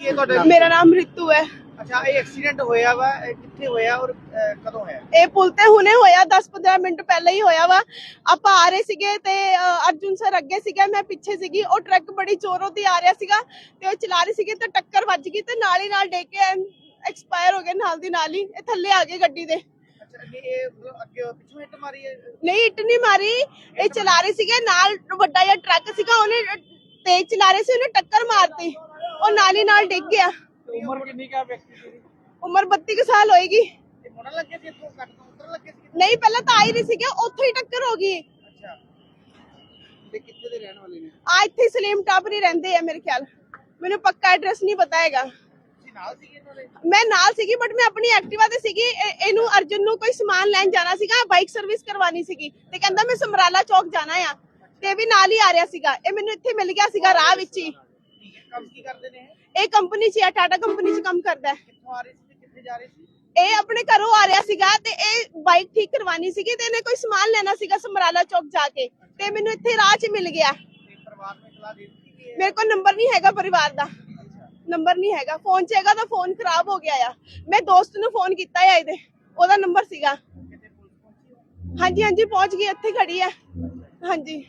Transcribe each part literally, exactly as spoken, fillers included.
ਕੀ ਤੁਹਾਡਾ? ਮੇਰਾ ਨਾਮ ਰਿਤੂ ਹੈ। ਅੱਛਾ, ਇਹ ਐਕਸੀਡੈਂਟ ਹੋਇਆ ਵਾ, ਇਹ ਕਿੱਥੇ ਹੋਇਆ ਔਰ ਅਹ, ਕਦੋਂ ਹੋਇਆ? ਇਹ ਪੁਲ ਤੇ ਹੁਣੇ ਹੋਇਆ, ਦਸ ਪੰਦਰਾਂ ਮਿੰਟ ਪਹਿਲਾਂ ਹੀ ਹੋਇਆ ਵਾ। ਆਪਾਂ ਆ ਰਹੇ ਸੀਗੇ ਤੇ ਅ, ਅਰਜੁਨ ਸਰ ਅੱਗੇ ਸੀਗਾ, ਮੈਂ ਪਿੱਛੇ ਸੀਗੀ। ਉਹ ਟਰੱਕ ਬੜੀ ਜ਼ੋਰੋਂ ਦੀ ਆ ਰਿਹਾ ਸੀਗਾ ਤੇ ਉਹ ਚਲਾ ਰਹੀ ਸੀਗੀ ਤੇ ਟੱਕਰ ਵੱਜ ਗਈ ਤੇ ਨਾਲ ਹੀ ਨਾਲ ਡਿੱਗ ਕੇ ਐਕਸਪਾਇਰ ਹੋ ਗਏ ਨਾਲ ਦੀ ਨਾਲ ਹੀ। ਇਹ ਥੱਲੇ ਆ ਗਏ ਗੱਡੀ ਦੇ। ਅੱਛਾ, ਨਹੀਂ ਇਹ ਮਤਲਬ ਅੱਗੇ ਪਿੱਛੋਂ ਹਿੱਟ ਮਾਰੀ ਹੈ? ਨਹੀਂ, ਇੱਟ ਨਹੀਂ ਮਾਰੀ। ਇਹ ਚਲਾ ਰਹੇ ਸੀਗੇ, ਨਾਲ ਵੱਡਾ ਜਿਹਾ ਟਰੱਕ ਸੀਗਾ, ਉਹਨੇ ਤੇਜ਼ ਚਲਾ ਰਹੇ ਸੀ, ਉਹਨੇ ਟੱਕਰ ਮਾਰਤੀ, ਉਹ ਨਾਲ ਹੀ ਨਾਲ ਡਿੱਗ ਗਿਆ। ਉਮਰ ਕਿੰਨੀ ਕਾ ਵਿਅਕਤੀ ਦੀ? ਉਮਰ ਬੱਤੀ ਕੁ ਸਾਲ ਹੋਏਗੀ। ਇਹ ਮੁੜਨ ਲੱਗੇ ਸੀ ਇੱਥੋਂ, ਕੱਟ ਤੋਂ ਉਤਰਨ ਲੱਗੇ ਸੀ? ਨਹੀਂ, ਪਹਿਲਾਂ ਤਾਂ ਆ ਹੀ ਰਹੀ ਸੀਗੇ, ਉੱਥੋਂ ਹੀ ਟੱਕਰ ਹੋ ਗਈ। ਅੱਛਾ, ਤੇ ਕਿੱਥੇ ਦੇ ਰਹਿਣ ਵਾਲੇ ਨੇ? ਆ ਇੱਥੇ ਸਲੀਮ ਟਾਪਰੀ ਰਹਿੰਦੇ ਆ ਮੇਰੇ ਖਿਆਲ। ਮੈਨੂੰ ਪੱਕਾ ਐਡਰੈਸ ਨਹੀਂ ਪਤਾ ਹੈਗਾ। ਤੁਸੀਂ ਨਾਲ ਸੀਗੇ ਇਹਨਾਂ ਦੇ? ਮੈਂ ਨਾਲ ਸੀਗੀ ਬਟ ਮੈਂ ਆਪਣੀ ਐਕਟਿਵਾ ਤੇ ਸੀਗੀ। ਇਹ- ਇਹਨੂੰ ਅਰਜੁਨ ਨੂੰ ਕੋਈ ਸਮਾਨ ਲੈਣ ਜਾਣਾ ਸੀਗਾ, ਬਾਈਕ ਸਰਵਿਸ ਕਰਵਾਉਣੀ ਸੀਗੀ ਤੇ ਕਹਿੰਦਾ ਮੈਂ ਸਮਰਾਲਾ ਚੌਕ ਜਾਣਾ ਆ ਤੇ ਵੀ ਨਾਲ ਹੀ ਆ ਰਿਹਾ ਸੀਗਾ। ਇਹ ਮੈਨੂੰ ਇੱਥੇ ਮਿਲ ਗਿਆ ਸੀਗਾ ਰਾਹ ਵਿੱਚ ਹੀ। ਠੀਕ ਹੈ, ਕੰਮ ਕੀ ਕਰਦੇ ਨੇ ਇਹ? ਇਹ ਕੰਪਨੀ 'ਚ ਆ, ਟਾਟਾ ਕੰਪਨੀ 'ਚ ਕੰਮ ਕਰਦਾ ਹੈ। ਕਿੱਥੋਂ ਆ ਰਹੇ ਸੀ ਤੇ ਕਿੱਥੇ ਜਾ ਰਹੇ ਸੀ? ਇਹ ਆਪਣੇ ਘਰੋਂ ਆ ਰਿਹਾ ਸੀਗਾ ਤੇ ਇਹ ਬਾਈਕ ਠੀਕ ਕਰਵਾਉਣੀ ਸੀਗੀ ਤੇ ਇਹਨੇ ਕੋਈ ਸਮਾਨ ਲੈਣਾ ਸੀਗਾ ਸਮਰਾਲਾ ਚੌਕ ਜਾ ਕੇ ਤੇ ਮੈਨੂੰ ਇੱਥੇ ਰਾਹ 'ਚ ਮਿਲ ਗਿਆ। ਤੇ ਪਰਿਵਾਰ ਨੂੰ ਇਤਲਾ ਦੇ ਦਿੱਤੀ ਕਿ ਇਹ- ਮੇਰੇ ਕੋਲ ਨੰਬਰ ਨਹੀਂ ਹੈਗਾ ਪਰਿਵਾਰ ਦਾ, ਨੰਬਰ ਨਹੀਂ ਹੈਗਾ। ਫੋਨ 'ਚ ਹੈਗਾ ਤਾਂ ਫੋਨ ਖਰਾਬ ਹੋ ਗਿਆ ਆ। ਮੈਂ ਦੋਸਤ ਨੂੰ ਫੋਨ ਕੀਤਾ ਆ, ਇਹਦੇ ਉਹਦਾ ਨੰਬਰ ਸੀਗਾ। ਕਿਤੇ ਪੁਲਿਸ ਪਹੁੰਚੀ? ਹਾਂਜੀ ਹਾਂਜੀ ਪਹੁੰਚ ਗਈ, ਇੱਥੇ ਖੜੀ ਹੈ। ਹਾਂਜੀ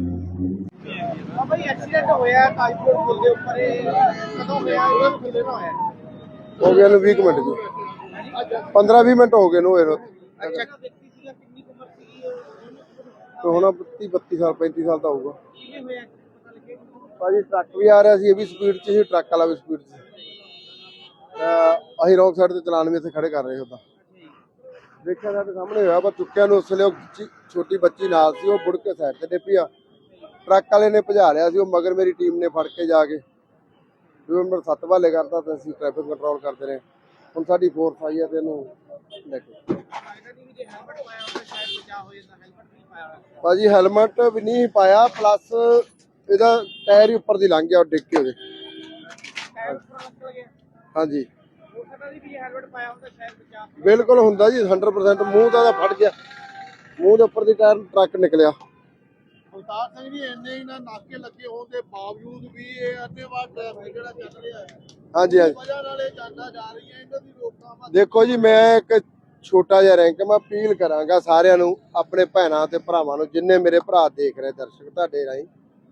ਹਾਂ ਭਾਈ, ਐਕਸੀਡੈਂਟ ਹੋਇਆ ਕਾਜਪੁਰ ਪੁਲ ਦੇ ਉੱਪਰ, ਇਹ ਕਦੋਂ ਹੋਇਆ? ਇਹ ਕਿੰਨੇ ਦਾ ਹੋਇਆ? ਹੋ ਗਏ ਨੂੰ ਵੀਹ ਕੁ ਮਿੰਟ ਜੀ, ਪੰਦਰਾਂ ਵੀਹ ਮਿੰਟ ਹੋ ਗਏ ਨੂੰ ਇਹਨੂੰ। ਅੱਛਾ, ਵਿਅਕਤੀ ਸੀਗਾ, ਕਿੰਨੀ ਕੁ ਉਮਰ ਸੀਗੀ ਉਹ? ਤੇ ਹੁਣ ਤੀਹ ਬੱਤੀ ਸਾਲ ਪੈਂਤੀ ਸਾਲ ਦਾ ਹੋਊਗਾ। ਕਿਵੇਂ ਹੋਇਆ ਪਤਾ ਲੱਗੇ? ਭਾਜੀ ਟਰੱਕ ਵੀ ਆ ਰਿਹਾ ਸੀ, ਇਹ ਵੀ ਸਪੀਡ 'ਚ ਸੀ, ਟਰੱਕ ਵਾਲਾ ਵੀ ਸਪੀਡ 'ਚ ਸੀ। ਤਾਂ ਅਸੀਂ ਰੌਂਗ ਸਾਈਡ ਤੇ ਚਲਾਨ ਵੀ ਇੱਥੇ ਖੜੇ ਕਰ ਰਹੇ ਹੁੰਦਾ। ਦੇਖਿਆ ਸਾਡੇ ਸਾਹਮਣੇ ਹੋਇਆ, ਪਰ ਚੁੱਕਿਆ ਨੂੰ ਉਸ ਵੇਲੇ ਉਹ ਬੱਚੀ- ਛੋਟੀ ਬੱਚੀ ਨਾਲ ਸੀ, ਉਹ ਮੁੜ ਕੇ ਸਾਈਡ ਤੇ ਡਿੱਪੀ ਆ। ਟਰੱਕ ਵਾਲੇ ਨੇ ਭਜਾ ਲਿਆ ਸੀ, ਉਹ ਮਗਰ ਮੇਰੀ ਟੀਮ ਨੇ ਫੜ ਕੇ ਜਾ ਕੇ ਨੰਬਰ ਸੱਤ ਵਾਲੇ ਕਰਤਾ ਤੇ ਅਸੀਂ ਟ੍ਰੈਫਿਕ ਕੰਟਰੋਲ ਕਰਦੇ ਰਹੇ। ਹੁਣ ਸਾਡੀ ਫੋਰਸ ਆਈ ਹੈ ਤੇ ਇਹਨੂੰ ਲੈ ਕੇ। ਲੱਗਦਾ ਨਹੀਂ ਵੀ ਜੇ ਹੈਲਮਟ ਪਾਇਆ ਹੁੰਦਾ ਸ਼ਾਇਦ ਬਚਾ ਹੋ ਜਾਂਦਾ। ਹੈਲਮਟ ਨਹੀਂ ਪਾਇਆ ਹੋਇਆ। ਭਾਜੀ ਹੈਲਮਟ ਵੀ ਨਹੀਂ ਪਾਇਆ, ਪਲੱਸ ਇਹਦਾ ਟਾਇਰ ਹੀ ਉੱਪਰ ਦੀ ਲੰਘ ਗਿਆ, ਉਹ ਡਿੱਗ ਕੇ ਉਹਦੇ। ਟਾਇਰ ਉੱਪਰ ਨਿਕਲ ਗਿਆ। ਹਾਂਜੀ ਹੋ ਸਕਦਾ ਸੀ ਵੀ ਜੇ ਹੈਲਮਟ ਪਾਇਆ ਹੁੰਦਾ ਸ਼ਾਇਦ ਬਚਾ ਹੋ। ਬਿਲਕੁਲ ਹੁੰਦਾ ਜੀ, ਸੌ ਪਰਸੈਂਟ। ਮੂੰਹ ਤਾਂ ਇਹਦਾ ਫਟ ਗਿਆ, ਮੂੰਹ ਦੇ ਉੱਪਰ ਦੀ ਟਾਇਰ ਟਰੱਕ ਨਿਕਲਿਆ। ਅਵਤਾਰ ਸਿੰਘ ਜੀ, ਇੰਨੇ ਹੀ ਨਾ ਨਾਕੇ ਲੱਗੇ ਹੋਣ ਦੇ ਬਾਵਜੂਦ ਵੀ ਇਹ ਅੰਨੇਵਾਹ ਟ੍ਰੈਫਿਕ ਜਿਹੜਾ ਚੱਲ ਰਿਹਾ ਹੈ, ਹਾਂਜੀ ਹਾਂਜੀ ਵਜ੍ਹਾ ਨਾਲ ਇਹ ਜਾਂਦਾ ਜਾ ਰਹੀਆਂ, ਇਹਨਾਂ ਦੀ ਰੋਕਥਾਮ। ਦੇਖੋ ਜੀ, ਮੈਂ ਇੱਕ ਛੋਟਾ ਜਿਹਾ ਰੈਂਕ ਮੈਂ ਅਪੀਲ ਕਰਾਂਗਾ ਸਾਰਿਆਂ ਨੂੰ, ਆਪਣੇ ਭੈਣਾਂ ਤੇ ਭਰਾਵਾਂ ਨੂੰ, ਜਿੰਨੇ ਮੇਰੇ ਭਰਾ ਦੇਖ ਰਹੇ ਦਰਸ਼ਕ ਤੁਹਾਡੇ ਰਾਹੀਂ,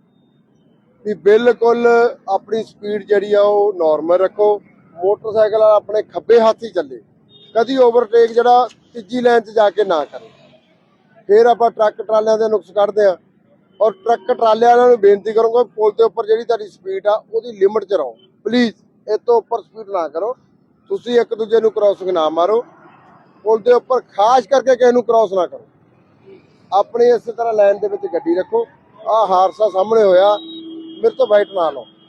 ਵੀ ਬਿਲਕੁਲ ਆਪਣੀ ਸਪੀਡ ਜਿਹੜੀ ਆ ਉਹ ਨਾਰਮਲ ਰੱਖੋ। ਮੋਟਰਸਾਈਕਲ ਵਾਲਾ ਆਪਣੇ ਖੱਬੇ ਹੱਥ ਹੀ ਚੱਲੇ, ਕਦੀ ਓਵਰਟੇਕ ਜਿਹੜਾ ਤੀਜੀ ਲਾਈਨ 'ਚ ਜਾ ਕੇ ਨਾ ਕਰੇ। ਫਿਰ ਆਪਾਂ ਟਰੱਕ ਟਰਾਲਿਆਂ ਦੇ ਨੁਕਸ ਕੱਢਦੇ ਆ। ਔਰ ਟਰੱਕ ਟਰਾਲੇ ਵਾਲਿਆਂ ਨੂੰ ਬੇਨਤੀ ਕਰੂੰਗਾ, ਪੁਲ ਦੇ ਉੱਪਰ ਜਿਹੜੀ ਤੁਹਾਡੀ ਸਪੀਡ ਆ ਉਹਦੀ ਲਿਮਟ 'ਚ ਰਹੋ ਪਲੀਜ਼। ਇਹ ਤੋਂ ਉੱਪਰ ਸਪੀਡ ਨਾ ਕਰੋ। ਤੁਸੀਂ ਇੱਕ ਦੂਜੇ ਨੂੰ ਕ੍ਰਾਸਿੰਗ ਨਾ ਮਾਰੋ। ਪੁਲ ਦੇ ਉੱਪਰ ਖਾਸ ਕਰਕੇ ਕਿਸੇ ਨੂੰ ਕ੍ਰਾਸ ਨਾ ਕਰੋ। ਆਪਣੀ ਇਸੇ ਤਰ੍ਹਾਂ ਲਾਈਨ ਦੇ ਵਿੱਚ ਗੱਡੀ ਰੱਖੋ। ਆਹ ਹਾਦਸਾ ਸਾਹਮਣੇ ਹੋਇਆ, ਮੇਰੇ ਤੋਂ ਵਾਈਟ ਨਾ ਲਓ।